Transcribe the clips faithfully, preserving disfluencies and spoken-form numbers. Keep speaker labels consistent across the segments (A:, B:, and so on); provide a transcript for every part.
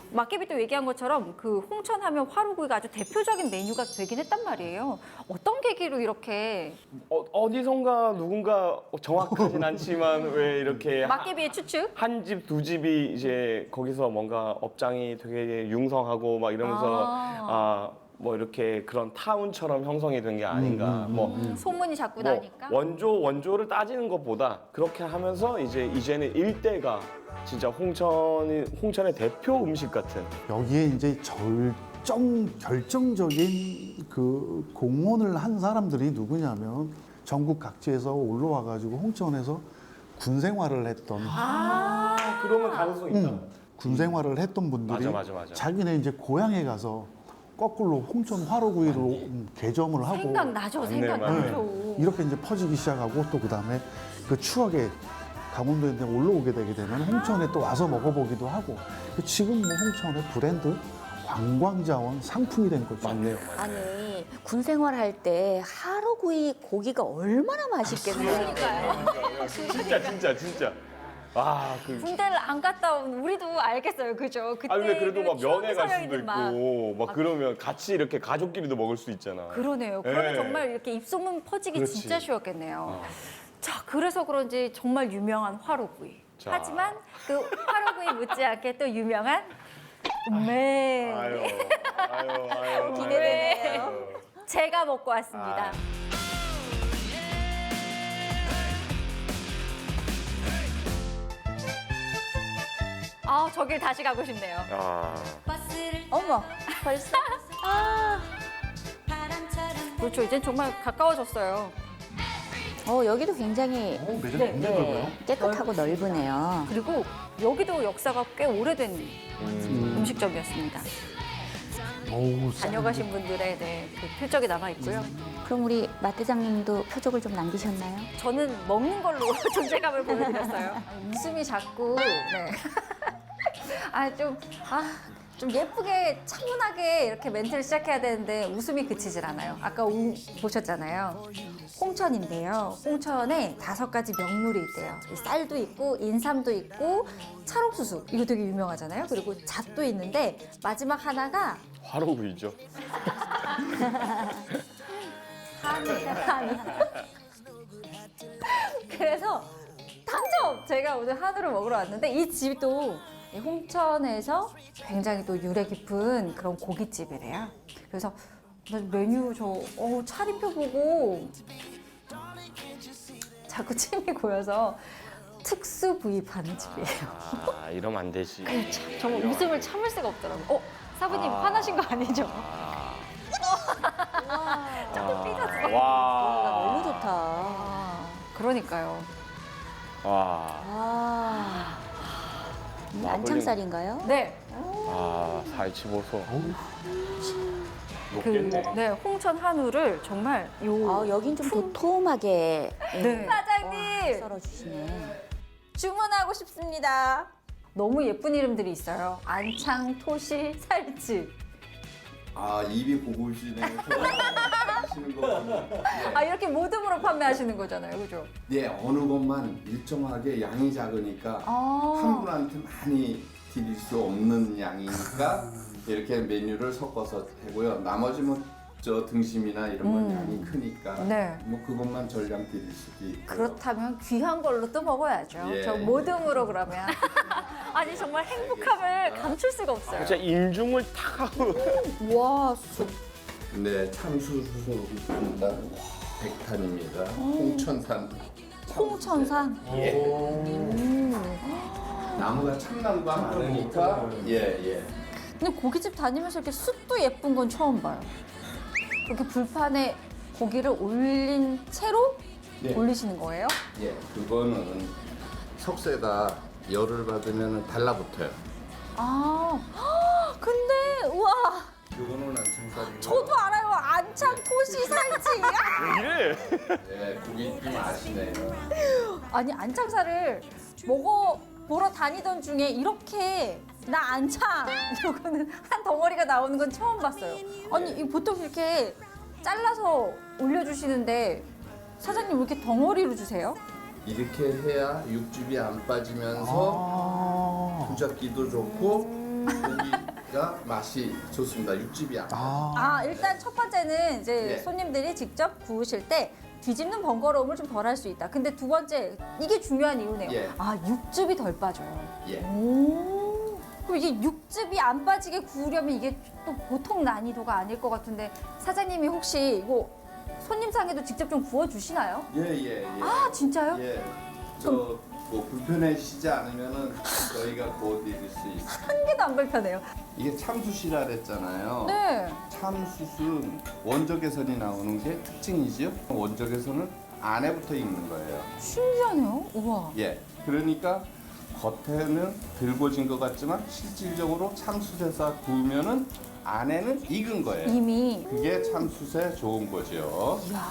A: 막개비도 얘기한 것처럼 그 홍천하면 화로구이가 아주 대표적인 메뉴가 되긴 했단 말이에요. 어떤 계기로 이렇게
B: 어, 어디선가 누군가 정확하진 않지만 왜 이렇게
A: 막개비의 추측?
B: 한 집, 두 집이 이제 거기서 뭔가 업장이 되게 융성하고 막 이러면서
A: 아.
B: 아, 뭐 이렇게 그런 타운처럼 형성이 된 게 아닌가. 뭐,
A: 음, 소문이 자꾸
B: 뭐
A: 나니까.
B: 원조 원조를 따지는 것보다 그렇게 하면서 이제 이제는 일대가 진짜 홍천이 홍천의 대표 음식 같은.
C: 여기에 이제 절정 결정적인 그 공헌을 한 사람들이 누구냐면 전국 각지에서 올라와 가지고 홍천에서 군 생활을 했던
B: 아, 그러면 가능성이 있다.
C: 음, 군 생활을 했던 분들이
B: 맞아, 맞아, 맞아.
C: 자기네 이제 고향에 가서 거꾸로 홍천 화로구이로 음, 개점을 하고
A: 생각나죠,
B: 맞네,
A: 생각나죠.
C: 이렇게 이제 퍼지기 시작하고 또 그다음에 그 추억에 강원도에 이제 올라오게 되게 되면 홍천에 또 와서 먹어보기도 하고 지금 뭐 홍천의 브랜드 관광자원 상품이 된 거죠.
B: 맞네요.
D: 아니 군 생활할 때 하루구이 고기가 얼마나 맛있겠나요?
B: 진짜 진짜 진짜. 아, 그
A: 군대를 안 갔다 온 우리도 알겠어요, 그죠? 그때
B: 아 근데 그래도 막 면회 갈 수도
A: 소녀이든 막.
B: 있고 막 그러면 같이 이렇게 가족끼리도 먹을 수 있잖아.
A: 그러네요. 그러면
B: 예.
A: 정말 이렇게 입소문 퍼지기
B: 그렇지.
A: 진짜 쉬웠겠네요.
B: 어.
A: 자, 그래서 그런지 정말 유명한 화로구이.
B: 자.
A: 하지만 그 화로구이 못지않게 또 유명한 네.
B: 아유, 아유, 아유.
A: 기대되네요.
B: 아유.
A: 제가 먹고 왔습니다.
B: 아.
A: 아, 저길 다시 가고 싶네요.
B: 아,
D: 어머 벌써
A: 그렇죠. 이젠 정말 가까워졌어요.
D: 어 여기도 굉장히
C: 어, 매장
A: 네,
C: 굉장히 넓어요.
D: 네, 깨끗하고 넓으네요.
A: 그리고 여기도 역사가 꽤 오래된 음. 식점이었습니다
C: 어우,
A: 다녀가신 분들의 네, 그 표적이 남아 있고요.
D: 그럼 우리 마대장님도 표적을 좀 남기셨나요?
A: 저는 먹는 걸로 존재감을 보여드렸어요. 웃음이 자꾸 네. 아 좀 아. 좀 예쁘게 차분하게 이렇게 멘트를 시작해야 되는데 웃음이 그치질 않아요. 아까 우, 보셨잖아요. 홍천인데요. 홍천에 다섯 가지 명물이 있대요. 이 쌀도 있고 인삼도 있고 찰옥수수 이거 되게 유명하잖아요. 그리고 잣도 있는데 마지막 하나가
B: 화로구이죠.
A: 한이 한이. 그래서 당첨! 제가 오늘 한우를 먹으러 왔는데 이 집도 이 홍천에서 굉장히 또 유래 깊은 그런 고깃집이래요. 그래서 나 메뉴 저 어, 차림표 보고 자꾸 침이 고여서 특수 부위 파는 집이에요.
B: 아, 이러면 안 되지.
A: 참, 정말 웃음을 참을 수가 없더라고요. 어? 사부님 화나신 거 아니죠? 조금 삐졌어.
B: 와.
D: 너무 좋다.
A: 아, 그러니까요.
B: 와.
D: 아, 음,
B: 와,
D: 안창살인가요?
A: 네.
B: 아, 살치보소.
A: 그,
B: 높겠네.
A: 네, 홍천 한우를 정말 요
D: 아, 여긴 좀 도톰하게
A: 네. 사장님
D: 썰어주시네.
A: 주문하고 싶습니다. 너무 예쁜 이름들이 있어요. 안창, 토시, 살치.
E: 아 입이 고구시네요. 좋아하시는 거 보면
A: 아 이렇게 모듬으로 판매하시는 거잖아요, 그죠?
E: 네 어느 것만 일정하게 양이 작으니까
A: 아.
E: 한 분한테 많이 드릴 수 없는 양이니까 이렇게 메뉴를 섞어서 하고요. 나머지 뭐저 등심이나 이런 건 양이 크니까
A: 네.
E: 뭐 그것만 전량 드릴 수도 있고.
A: 그렇다면 귀한 걸로 또 먹어야죠.
E: 예.
A: 저 모듬으로 그러면. 아니 정말 행복함을 감출 수가 없어요.
B: 진짜 인중을 탁 하고.
A: 와, 수.
E: 네 참수수소입니다. 백탄입니다. 홍천산.
A: 홍천산.
E: 나무가 참나무가 많으니까 예예.
A: 근데 고깃집 다니면서 이렇게 숯도 예쁜 건 처음 봐요. 이렇게 불판에 고기를 올린 채로
E: 예.
A: 올리시는 거예요?
E: 예, 그거는 석쇠다 열을 받으면 달라붙어요.
A: 아, 헉, 근데 우와,
E: 그거는 안창살이고.
A: 저도 알아요. 안창, 토시, 살치. 아!
B: 이래.
E: 네, 그게 좀 아시네요.
A: 아니 안창살을 먹어 보러 다니던 중에 이렇게 나 안창 이러고는 한 덩어리가 나오는 건 처음 봤어요. 아니 이 보통 이렇게 잘라서 올려주시는데 사장님 왜 이렇게 덩어리로 주세요?
E: 이렇게 해야 육즙이 안 빠지면서
C: 아,
E: 부잡기도 좋고 고기 맛이 좋습니다. 육즙이 안.
C: 아,
A: 아, 일단 첫 번째는 이제
E: 예.
A: 손님들이 직접 구우실 때 뒤집는 번거로움을 좀 덜 할 수 있다. 근데 두 번째, 이게 중요한 이유네요.
E: 예.
A: 아, 육즙이 덜 빠져요.
E: 예.
A: 오. 그럼 이게 육즙이 안 빠지게 구우려면 이게 또 보통 난이도가 아닐 것 같은데 사장님이 혹시 이거 손님상에도 직접 좀 구워주시나요?
E: 예예 예.
A: 아, 진짜요?
E: 예. 저 뭐 불편해지지 않으면은 저희가 구워드릴 수 있어요.
A: 한 개도 안 불편해요.
E: 이게 참숯이라 그랬잖아요.
A: 네.
E: 참숯은 원적외선이 나오는 게 특징이지요. 원적외선은 안에 붙어 있는 거예요.
A: 신기하네요. 우와.
E: 예. 그러니까 겉에는 들고진 것 같지만 실질적으로 참숯에서 구우면은 안에는 익은 거예요.
A: 이미.
E: 그게 참숯에 좋은 거죠.
A: 이야.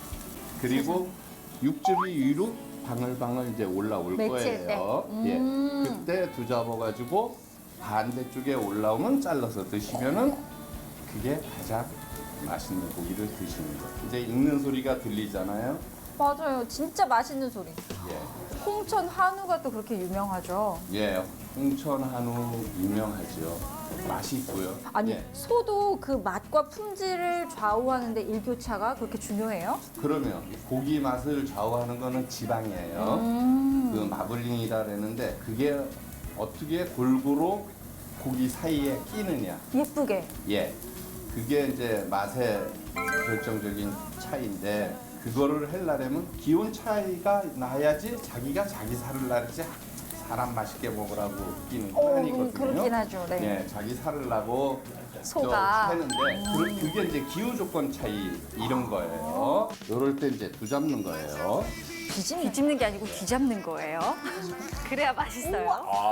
E: 그리고 육즙이 위로 방울방울 이제 올라올
A: 맺힐
E: 거예요.
A: 때. 음.
E: 예. 그때 두 잡아가지고 반대쪽에 올라오면 잘라서 드시면은 그게 가장 맛있는 고기를 드시는 거예요. 이제 익는 소리가 들리잖아요.
A: 맞아요. 진짜 맛있는 소리.
E: 예.
A: 홍천 한우가 또 그렇게 유명하죠.
E: 예. 홍천 한우 유명하죠. 맛있고요.
A: 아니,
E: 예.
A: 소도 그 맛과 품질을 좌우하는데 일교차가 그렇게 중요해요?
E: 그러면 고기 맛을 좌우하는 거는 지방이에요.
A: 음.
E: 그 마블링이라 그랬는데 그게 어떻게 골고루 고기 사이에 끼느냐.
A: 예쁘게.
E: 예. 그게 이제 맛의 결정적인 차이인데 그거를 하려면 기온 차이가 나야지 자기가 자기 살을 나르지 사람 맛있게 먹으라고 끼는 건
A: 어,
E: 아니거든요.
A: 음, 그렇긴 하죠. 네.
E: 예, 자기 살을 나고
A: 소가.
E: 하는데 그, 그게 이제 기후 조건 차이 이런 거예요. 요럴 때 이제 두 잡는 거예요.
A: 뒤집는, 뒤집는 게 아니고 뒤잡는 거예요. 그래야 맛있어요.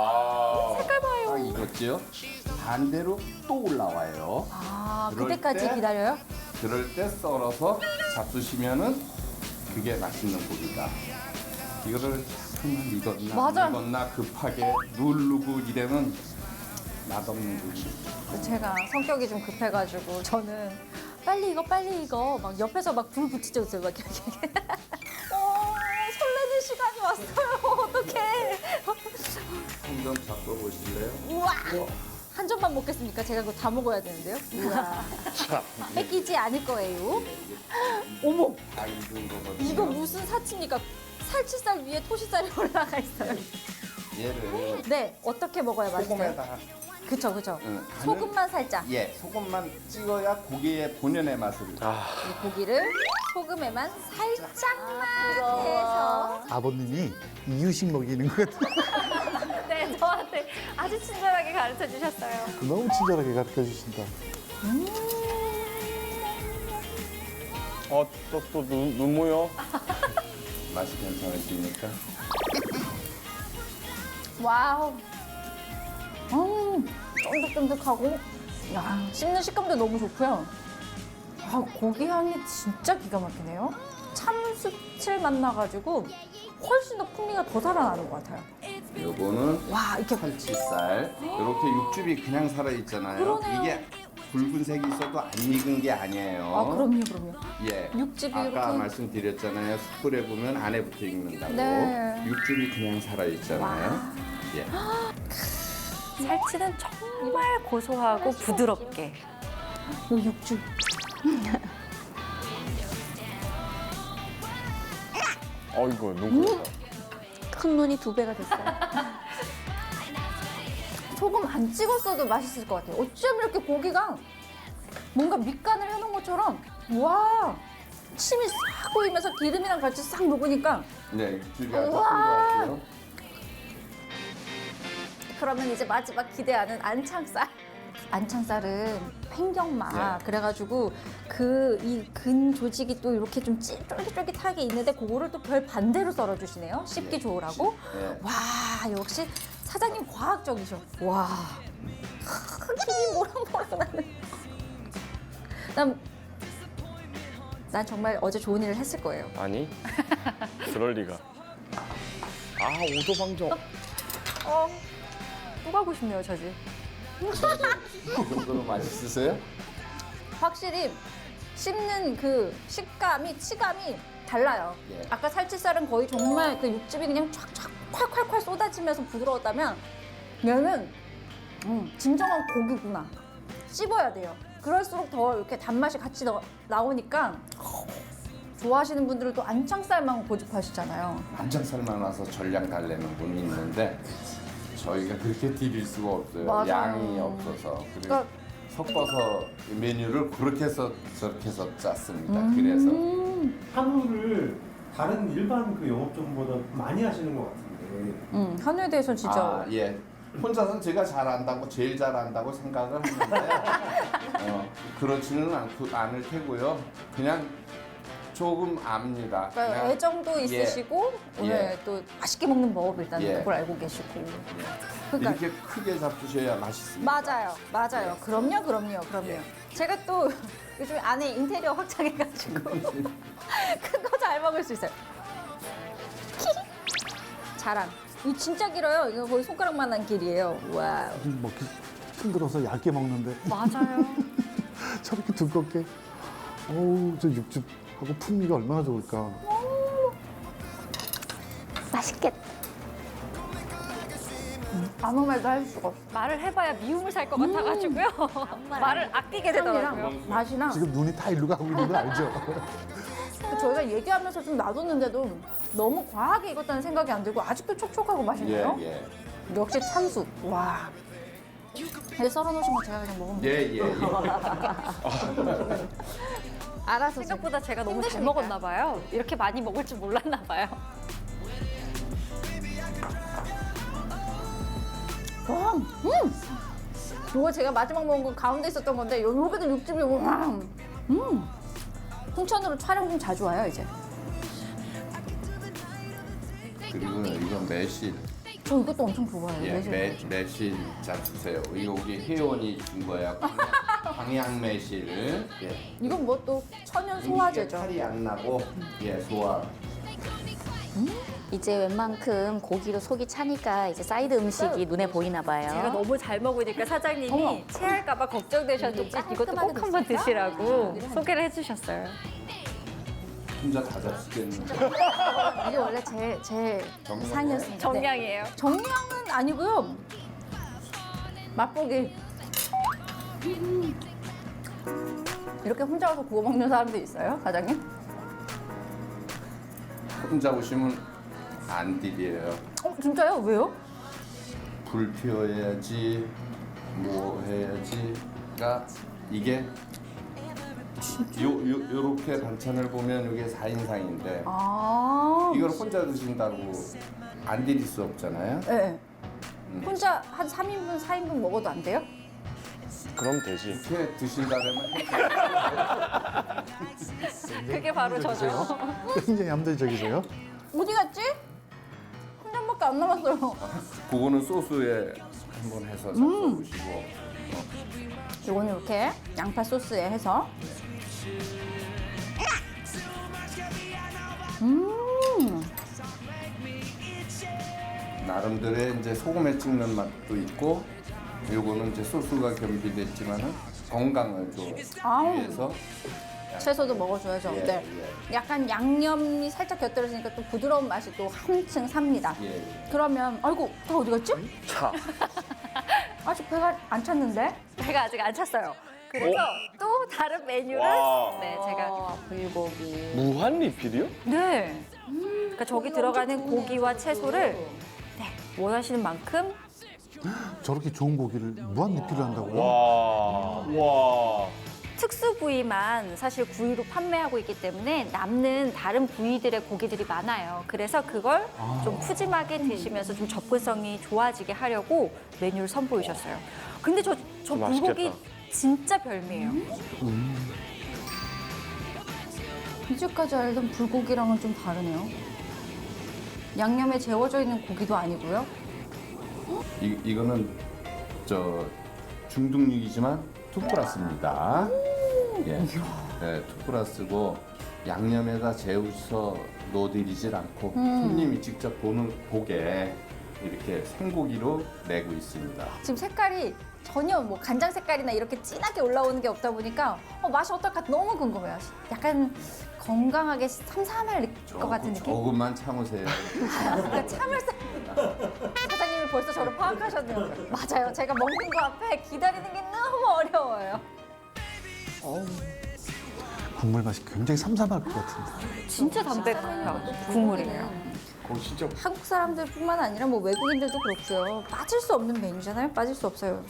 E: 아,
A: 색깔 봐요.
E: 딱 익었지요? 반대로 또 올라와요.
A: 아,
E: 그럴
A: 그때까지
E: 때-
A: 기다려요?
E: 그럴 때 썰어서 잡수시면은 그게 맛있는 고기다. 이거를 잠깐만 익었나
A: 맞아.
E: 안 익었나 급하게 누르고 이러면 맛없는 고기.
A: 제가 성격이 좀 급해가지고 저는 빨리 이거 빨리 이거 막 옆에서 막 불 붙이죠, 막 이렇게. 어, 설레는 시간이 왔어요. 어떡해.
E: 한 점 잡숴 보실래요?
A: 우와. 한 점만 먹겠습니까? 제가 그거 다 먹어야 되는데요. 우와. 뺏기지 않을 거예요. 어머,
E: 다 익은 거거든요.
A: 이거 무슨 사치입니까? 살치살 위에 토시살이 올라가 있어요.
E: 얘를
A: 네, 어떻게 먹어야 맛있어요?
E: 소금에다가
A: 그쵸, 그쵸.
E: 응, 간을-
A: 소금만 살짝.
E: 예, 소금만 찍어야 고기의 본연의 맛을.
B: 아,
A: 이 고기를 소금에만 살짝만 해서.
C: 아버님이 이유식 먹이는 것 같아요.
A: 네, 저한테 아주 친절하게 가르쳐 주셨어요.
C: 너무 친절하게 가르쳐 주신다.
B: 어, 또, 또 눈, 눈 모여?
E: 맛이 괜찮으십니까?
A: 와우. 음, 쫀득쫀득하고, 야, 씹는 식감도 너무 좋고요. 아, 고기 향이 진짜 기가 막히네요. 참숯을 만나가지고 훨씬 더 풍미가 더 살아나는 것 같아요.
E: 요거는
A: 와, 이렇게
E: 살치살. 이렇게 육즙이 그냥 살아 있잖아요.
A: 그러네요.
E: 이게 붉은색이 있어도 안 익은 게 아니에요.
A: 아, 그럼요, 그럼요.
E: 예.
A: 육즙이
E: 아까
A: 이렇게-
E: 말씀드렸잖아요. 숯불에 보면 안에 붙어 익는다고.
A: 네.
E: 육즙이 그냥 살아 있잖아요. 예.
A: 살치는 정말 고소하고 부드럽게. 이 육즙.
B: 어이구, 눈 고였다.
D: 큰 눈이 두 배가 됐어요.
A: 소금 안 찍었어도 맛있을 것 같아요. 어쩜 이렇게 고기가 뭔가 밑간을 해놓은 것처럼 와 침이 싹 고이면서 기름이랑 같이 싹 녹으니까
E: 네, 육즙이 아주
A: 우와.
E: 풍부하고요.
A: 그러면 이제 마지막 기대하는 안창살. 안창살은 횡격막
E: 네.
A: 그래가지고 그 이 근 조직이 또 이렇게 좀 찌- 쫄깃쫄깃하게 있는데 그거를 또 별 반대로 썰어주시네요. 씹기
E: 네.
A: 좋으라고.
E: 네.
A: 와 역시 사장님 과학적이셔. 와 힘이 모락모락 나는. 난, 난 정말 어제 좋은 일을 했을 거예요.
B: 아니, 그럴 리가. 아, 오도방정.
A: 어, 또 가고 싶네요, 저 집.
E: 그 정도로 맛있으세요?
A: 확실히 씹는 그 식감이, 치감이 달라요.
E: 예.
A: 아까 살치살은 거의 정말 그 육즙이 그냥 촥촥 콸콸콸 쏟아지면서 부드러웠다면 얘는 음, 진정한 고기구나. 씹어야 돼요. 그럴수록 더 이렇게 단맛이 같이 나, 나오니까 좋아하시는 분들은 또 안창살만 고집하시잖아요.
E: 안창살만 와서 전량 달래는 분이 있는데 저희가 그렇게 드릴 수가 없어요.
A: 맞아요.
E: 양이 없어서. 그리고
A: 그러니까
E: 섞어서 메뉴를 그렇게 해서 저렇게 해서 짰습니다.
A: 음.
E: 그래서
F: 한우를 다른 일반 그 영업점보다 많이 하시는 것 같은데.
A: 음, 한우에 대해서 진짜
E: 아, 예. 혼자서는 제가 잘한다고 제일 잘한다고 생각을 하는데 어, 그렇지는 않고 않을 테고요. 그냥 조금 압니다.
A: 그러니까
E: 그냥
A: 애정도 있으시고
E: 예.
A: 오늘 또 맛있게 먹는 법 일단
E: 예.
A: 그걸 알고 계시고. 그러니까
E: 이렇게 크게 잡수셔야 맛있습니다.
A: 맞아요, 맞아요. 그럼요, 그럼요, 그럼요.
E: 예.
A: 제가 또 요즘 안에 인테리어 확장해가지고 큰 거 잘 먹을 수 있어요. 자랑. 이 진짜 길어요. 이거 거의 손가락만한 길이에요. 와우.
C: 먹기 힘들어서 얇게 먹는데
A: 맞아요.
C: 저렇게 두껍게. 어우, 저 육즙하고 풍미가 얼마나 좋을까.
D: 맛있겠다.
A: 아무 말도 할 수가 없어.
G: 말을 해봐야 미움을 살 것 같아가지고요. 말을 아끼게 되더라고요.
A: 향이랑 맛이랑
C: 지금 눈이 다 일로 가고 있는 거 알죠?
A: 저희가 얘기하면서 좀 놔뒀는데도 너무 과하게 익었다는 생각이 안 들고 아직도 촉촉하고 맛있네요.
E: 예, 예.
A: 역시 참수. 와. 이제 썰어놓으신 거 제가 그냥 먹으면 돼요.
E: 예, 예, 예.
A: 알아서 지금.
G: 생각보다 제가 너무 잘
A: 힘드시니까.
G: 먹었나 봐요. 이렇게 많이 먹을 줄 몰랐나 봐요.
A: 와, 음! 이거 제가 마지막 먹은 건 가운데 있었던 건데 요- 여기도 육즙이 와. 음! 홍천으로 촬영 좀 자주 와요 이제.
E: 그리고 이건 매실.
A: 저 이것도 엄청 좋아해요.
E: 예,
A: 매실.
E: 매, 매실 잡수세요. 이거 우리 회원이 준 거야. 광양 매실. 예.
A: 이건 뭐 또 천연 소화제죠.
E: 탈이 안 나고 예, 소화.
D: 이제 웬만큼 고기로 속이 차니까 이제 사이드 음식이 눈에 보이나 봐요.
G: 제가 너무 잘 먹으니까 사장님이
A: 어머.
G: 체할까봐 걱정되셨는지
A: 이게
G: 이것도 꼭
A: 깔끔하게
G: 한번
A: 됐을까?
G: 드시라고
A: 음.
G: 소개를 해주셨어요.
E: 혼자 다 잡수겠는데.
A: 이게 원래 제, 제
E: 정량이에요?
A: 상이었습니다. 네.
G: 정량이에요.
A: 정량은 아니고요. 맛보기. 음. 이렇게 혼자 와서 구워 먹는 사람도 있어요, 사장님?
E: 혼자 오시면 안 드려요.
A: 어, 진짜요? 왜요?
E: 불 피워야지, 뭐 해야지. 그러니까 이게 요, 요, 요렇게 반찬을 보면 이게 사 인상인데
A: 아.
E: 이걸 혼자 드신다고 안 드릴 수 없잖아요.
A: 네. 혼자 한 삼 인분, 사 인분 먹어도 안 돼요?
B: 그럼 되지.
E: 이렇게 드신다면
G: 그게 바로 저죠.
C: 굉장히 얌전적이세요.
A: 어디 갔지? 한 잔밖에 안 남았어요.
E: 그거는 소스에 한번 해서 잡숴보시고
A: 이거는 이렇게 양파 소스에 해서. 음.
E: 나름대로의 이제 소금에 찍는 맛도 있고 요거는 이제 소스가 겸비됐지만은 건강을 좀
A: 아우.
E: 위해서
A: 채소도 먹어줘야죠.
E: 예,
A: 네. 약간 양념이 살짝 곁들여지니까 또 부드러운 맛이 또 한층 삽니다.
E: 예, 예.
A: 그러면 아이고 다 어디 갔지?
B: 차.
A: 아직 배가 안 찼는데?
G: 배가 아직 안 찼어요. 그래서 또 다른 메뉴를
B: 와.
G: 네 제가
A: 아, 불고기.
B: 무한 리필이요?
G: 네. 그러니까 저기 들어가는 고기와 채소를 네, 원하시는 만큼
C: 저렇게 좋은 고기를 무한 리필을 한다고요?
B: 와. 와.
G: 특수 부위만 사실 구이로 판매하고 있기 때문에 남는 다른 부위들의 고기들이 많아요. 그래서 그걸 좀 푸짐하게 드시면서 좀 접근성이 좋아지게 하려고 메뉴를 선보이셨어요. 근데 저, 저
B: 맛있겠다.
G: 불고기 진짜 별미예요.
A: 이제까지 알던 불고기랑은 좀 다르네요. 양념에 재워져 있는 고기도 아니고요.
E: 이, 이거는 저 중등육이지만 투플러스입니다. 예, 네, 투플러스고 양념에다 재워서 넣어드리질 않고 손님이 직접 보는 보게 이렇게 생고기로 내고 있습니다.
A: 지금 색깔이 전혀 뭐 간장 색깔이나 이렇게 진하게 올라오는 게 없다 보니까 어, 맛이 어떨까 너무 궁금해요. 약간 건강하게 삼삼할 느낄 것 같은 느낌?
E: 조금만 참으세요.
A: 그러니까 참을 사... 사장님이 벌써 저를 파악하셨네요. 맞아요. 제가 먹는 거 앞에 기다리는 게 너무 어려워요.
C: 국물 맛이 굉장히 삼삼할 것 같은데.
G: 진짜 담백한 국물이에요.
B: 어, 진짜
A: 한국 사람들뿐만 아니라 뭐 외국인들도 그렇고요. 빠질 수 없는 메뉴잖아요. 빠질 수 없어요.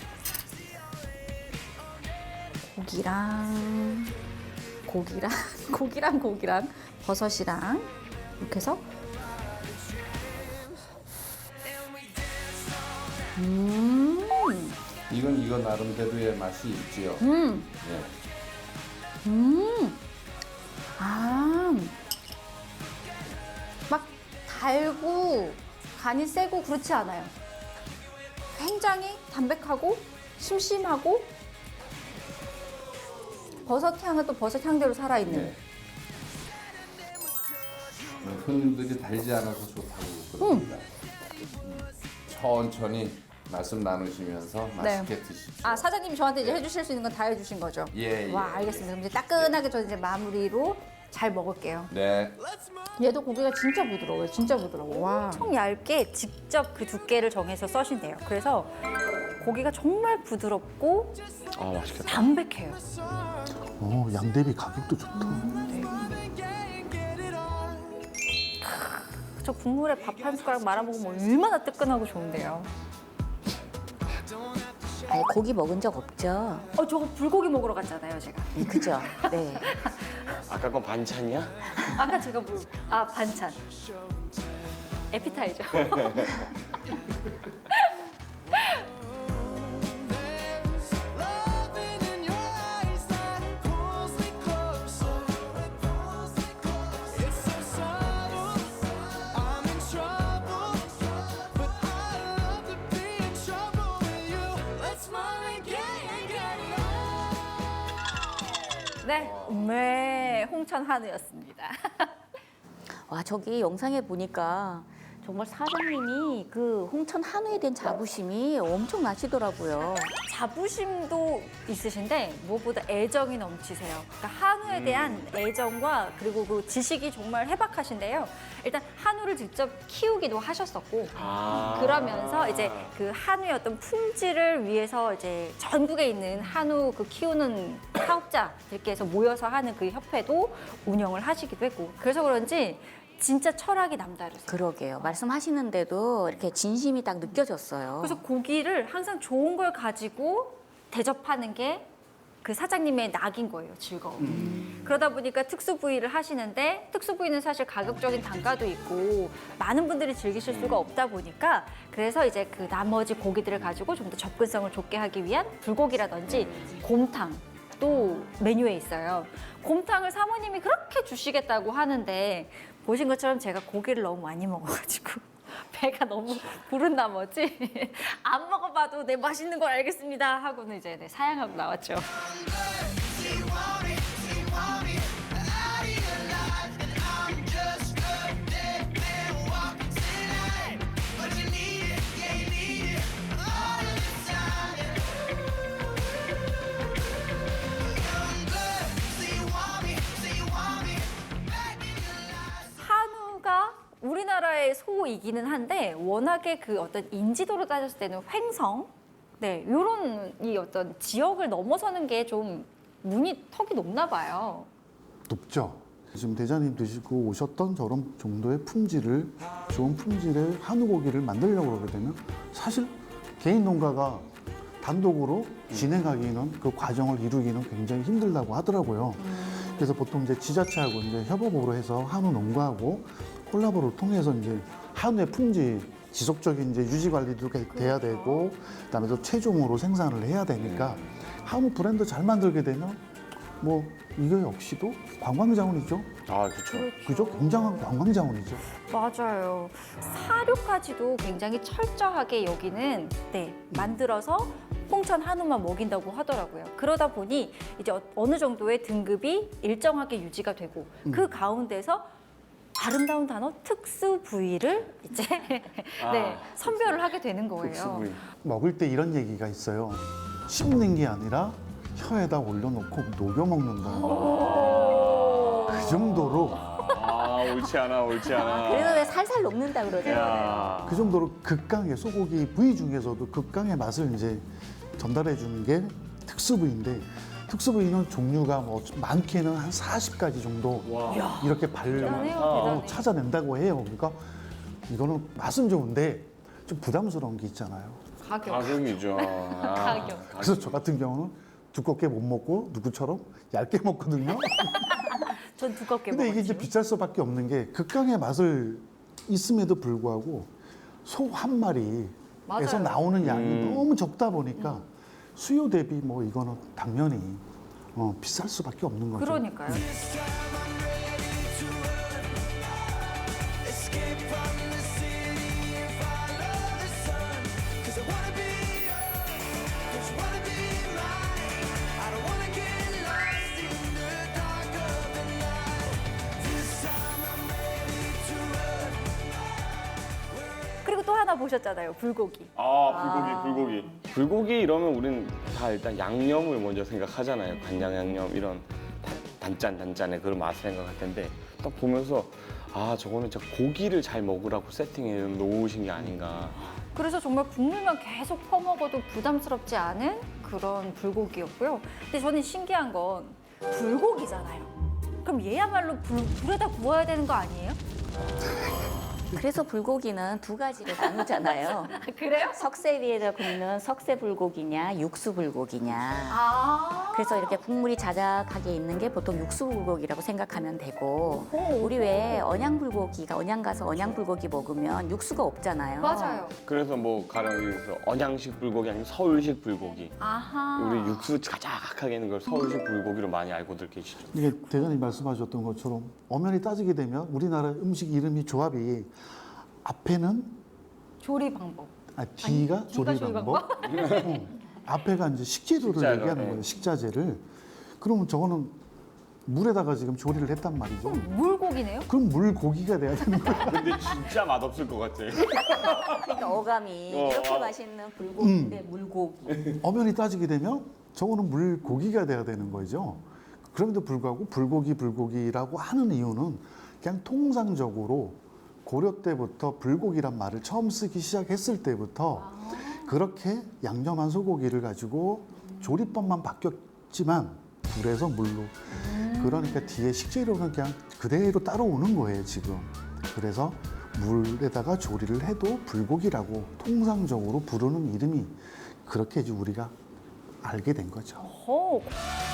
A: 고기랑 고기랑 고기랑 고기랑 버섯이랑 이렇게 해서 음,
E: 이건 이거 나름대로의 맛이 있지요.
A: 음,
E: 네.
A: 음, 아, 막 달고 간이 세고 그렇지 않아요. 굉장히 담백하고 심심하고 버섯 향은 또 버섯 향대로 살아있는.
E: 네. 손님들이 달지 않아서 좋다고 그럽니다. 음. 천천히 말씀 나누시면서 맛있게 드십시오.
A: 아 사장님이 저한테 이제 해주실 수 있는 건 다 해주신 거죠?
E: 예, 예.
A: 와 알겠습니다. 그럼 이제 따끈하게 저 이제 마무리로 잘 먹을게요.
E: 네.
A: 얘도 고기가 진짜 부드러워요. 진짜 부드러워. 와.
G: 청 얇게 직접 그 두께를 정해서 써신대요. 그래서 고기가 정말 부드럽고
B: 아 맛있겠다.
G: 담백해요.
C: 어, 양 대비 가격도 좋다.
G: 저 국물에 밥 한 숟가락 말아 먹으면 얼마나 뜨끈하고 좋은데요.
D: 아니 고기 먹은 적 없죠?
G: 어, 저거 불고기 먹으러 갔잖아요, 제가.
D: 네, 그죠? 네.
B: 아까 건 반찬이야?
G: 아까 제가 뭐, 아, 반찬. 에피타이저. 네, 네, 홍천 한우였습니다.
D: 와 저기 영상에 보니까 정말 사장님이 그 홍천 한우에 대한 자부심이 엄청 나시더라고요.
G: 자부심도 있으신데 무엇보다 애정이 넘치세요. 그러니까 한우에 대한 애정과 그리고 그 지식이 정말 해박하신데요. 일단 한우를 직접 키우기도 하셨었고
B: 아.
G: 그러면서 이제 그 한우의 어떤 품질을 위해서 이제 전국에 있는 한우 그 키우는 사업자들께서 모여서 하는 그 협회도 운영을 하시기도 했고 그래서 그런지 진짜 철학이 남다르세요.
D: 그러게요. 말씀하시는데도 이렇게 진심이 딱 느껴졌어요.
G: 그래서 고기를 항상 좋은 걸 가지고 대접하는 게 그 사장님의 낙인 거예요, 즐거움. 그러다 보니까 특수 부위를 하시는데 특수 부위는 사실 가격적인 단가도 있고 많은 분들이 즐기실 수가 없다 보니까 그래서 이제 그 나머지 고기들을 가지고 좀 더 접근성을 좋게 하기 위한 불고기라든지 곰탕 또 메뉴에 있어요. 곰탕을 사모님이 그렇게 주시겠다고 하는데 보신 것처럼 제가 고기를 너무 많이 먹어가지고 배가 너무 부른 나머지 안 먹어봐도 내 맛있는 걸 알겠습니다 하고는 이제 네, 사양하고 나왔죠. 한우가 우리나라의 소이기는 한데 워낙에 그 어떤 인지도로 따졌을 때는 횡성, 네 이런 이 어떤 지역을 넘어서는 게 좀 문이 턱이 높나 봐요.
C: 높죠. 지금 대장님 드시고 오셨던 저런 정도의 품질을 좋은 품질의 한우 고기를 만들려고 그러게 되면 사실 개인 농가가 단독으로 진행하기는 그 과정을 이루기는 굉장히 힘들다고 하더라고요. 그래서 보통 이제 지자체하고 이제 협업으로 해서 한우 농가하고 콜라보를 통해서 이제 한우의 품질 지속적인 이제 유지 관리도 돼야 되고 그다음에 또 최종으로 생산을 해야 되니까 한우 브랜드 잘 만들게 되면 뭐 이게 역시도 관광 자원이죠.
B: 아 그렇죠.
C: 그죠? 굉장한 관광 자원이죠.
G: 맞아요. 사료까지도 굉장히 철저하게 여기는 네 만들어서 홍천 한우만 먹인다고 하더라고요. 그러다 보니 이제 어- 어느 정도의 등급이 일정하게 유지가 되고 그 가운데서 아름다운 단어 특수 부위를 이제 네 선별을 하게 되는 거예요.
B: 특수부위.
C: 먹을 때 이런 얘기가 있어요. 씹는 게 아니라 혀에다 올려놓고 녹여 먹는다. 그 정도로
B: 아, 옳지 않아, 옳지 않아.
D: 그래서 왜 살살 녹는다 그러잖아요.
B: 야.
C: 그 정도로 극강의 소고기 부위 중에서도 극강의 맛을 이제 전달해 주는 게 특수 부위인데 특수 부위는 종류가 뭐 많게는 한 사십 가지 정도
B: 와.
C: 이렇게 발
G: 대단해요,
C: 어,
G: 대단해.
C: 찾아낸다고 해요. 그러니까 이거는 맛은 좋은데 좀 부담스러운 게 있잖아요.
A: 가격.
B: 가격이죠. 아,
G: 가격.
C: 그래서 저 같은 경우는 두껍게 못 먹고 누구처럼 얇게 먹거든요.
G: 전 두껍게
C: 근데
G: 먹었지.
C: 이게 이제 비쌀 수밖에 없는 게 극강의 맛을 있음에도 불구하고 소 한 마리에서
A: 맞아요.
C: 나오는 양이
B: 음.
C: 너무 적다 보니까 수요 대비 뭐 이거는 당연히 어, 비쌀 수밖에 없는 거죠.
A: 그러니까요.
G: 그리고 또 하나 보셨잖아요. 불고기.
B: 아, 불고기, 불고기. 불고기 이러면 우린 다 일단 양념을 먼저 생각하잖아요. 간장 양념 이런 단- 단짠 단짠의 그런 맛을 생각할 텐데 딱 보면서 아, 저거는 진짜 고기를 잘 먹으라고 세팅해 놓으신 게 아닌가.
A: 그래서 정말 국물만 계속 퍼먹어도 부담스럽지 않은 그런 불고기였고요. 근데 저는 신기한 건 불고기잖아요. 그럼 얘야말로 불, 불에다 구워야 되는 거 아니에요?
D: 그래서 불고기는 두 가지를 나누잖아요.
A: 그래요?
D: 석쇠 위에다 굽는 석쇠 불고기냐, 육수 불고기냐.
A: 아.
D: 그래서 이렇게 국물이 자작하게 있는 게 보통 육수 불고기라고 생각하면 되고, 우리 왜 언양 불고기가 언양 가서 언양 불고기 먹으면 육수가 없잖아요.
A: 맞아요.
B: 그래서 뭐 가령 여기서 언양식 불고기 아니면 서울식 불고기.
A: 아하.
B: 우리 육수 자작하게 있는 걸 서울식 불고기로 많이 알고들 계시죠.
C: 이게 대장님 말씀하셨던 것처럼 엄연히 따지게 되면 우리나라 음식 이름이 조합이 앞에는
A: 조리 방법.
C: 아, 뒤가
A: 아니,
C: 조리
A: 뒤가 조리
C: 방법, 어, 앞에가 이제 식재료를
B: 식자료,
C: 얘기하는
B: 네.
C: 거예요. 식자재를. 그러면 저거는 물에다가 지금 조리를 했단 말이죠.
A: 물고기네요?
C: 그럼 물고기가 돼야 되는 거예요.
B: 근데 진짜 맛없을 것 같아.
D: 그러니까 어감이
B: 어,
D: 이렇게
B: 아.
D: 맛있는 불고기인데 물고기.
C: 엄연히 따지게 되면 저거는 물고기가 돼야 되는 거죠. 그럼에도 불구하고 불고기 불고기라고 하는 이유는 그냥 통상적으로 고려 때부터 불고기란 말을 처음 쓰기 시작했을 때부터 그렇게 양념한 소고기를 가지고 조리법만 바뀌었지만 불에서 물로 그러니까 뒤에 식재료는 그냥 그대로 따라오는 거예요 지금. 그래서 물에다가 조리를 해도 불고기라고 통상적으로 부르는 이름이 그렇게 이제 우리가 알게 된 거죠.
A: 호.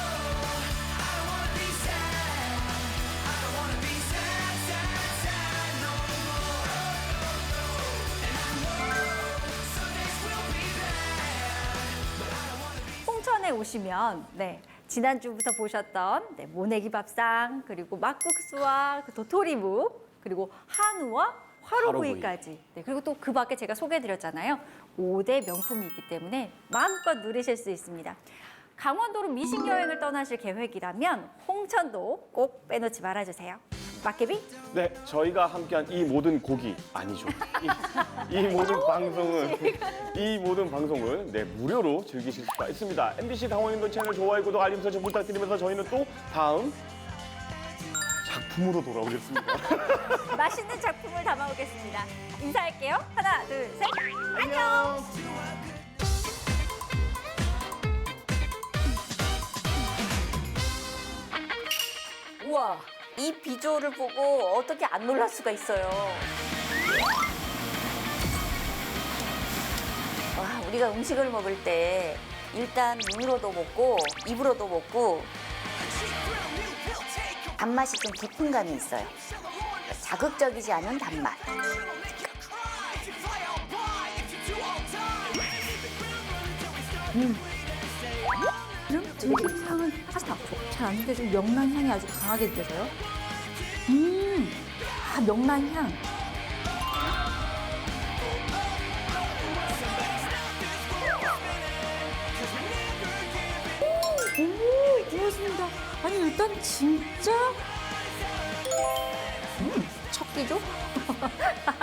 A: 홍천에 오시면 네 지난주부터 보셨던 네, 모내기 밥상 그리고 막국수와 그 도토리묵 그리고 한우와 화로구이까지 네, 그리고 또 그 밖에 제가 소개해드렸잖아요. 오 대 명품이 있기 때문에 마음껏 누리실 수 있습니다. 강원도로 미식 여행을 떠나실 계획이라면 홍천도 꼭 빼놓지 말아주세요. 막개비
B: 네, 저희가 함께한 이 모든 고기 아니죠. 이, 이 모든 방송은 이 모든 방송을 네 무료로 즐기실 수가 있습니다. 엠비씨 강원인도 채널 좋아요, 구독, 알림 설정 부탁드리면서 저희는 또 다음 작품으로 돌아오겠습니다.
G: 맛있는 작품을 담아오겠습니다. 인사할게요. 하나, 둘, 셋. 안녕.
D: 우와, 이 비주얼을 보고 어떻게 안 놀랄 수가 있어요. 와, 우리가 음식을 먹을 때 일단 눈으로도 먹고 입으로도 먹고 단맛이 좀 깊은 감이 있어요. 자극적이지 않은 단맛.
A: 들기름 향은 사실 잘 안 느껴지고 명란 향이 아주 강하게 느껴져요. 음, 아 명란 향. 오, 고맙습니다. 아니 일단 진짜 음, 첫 끼죠?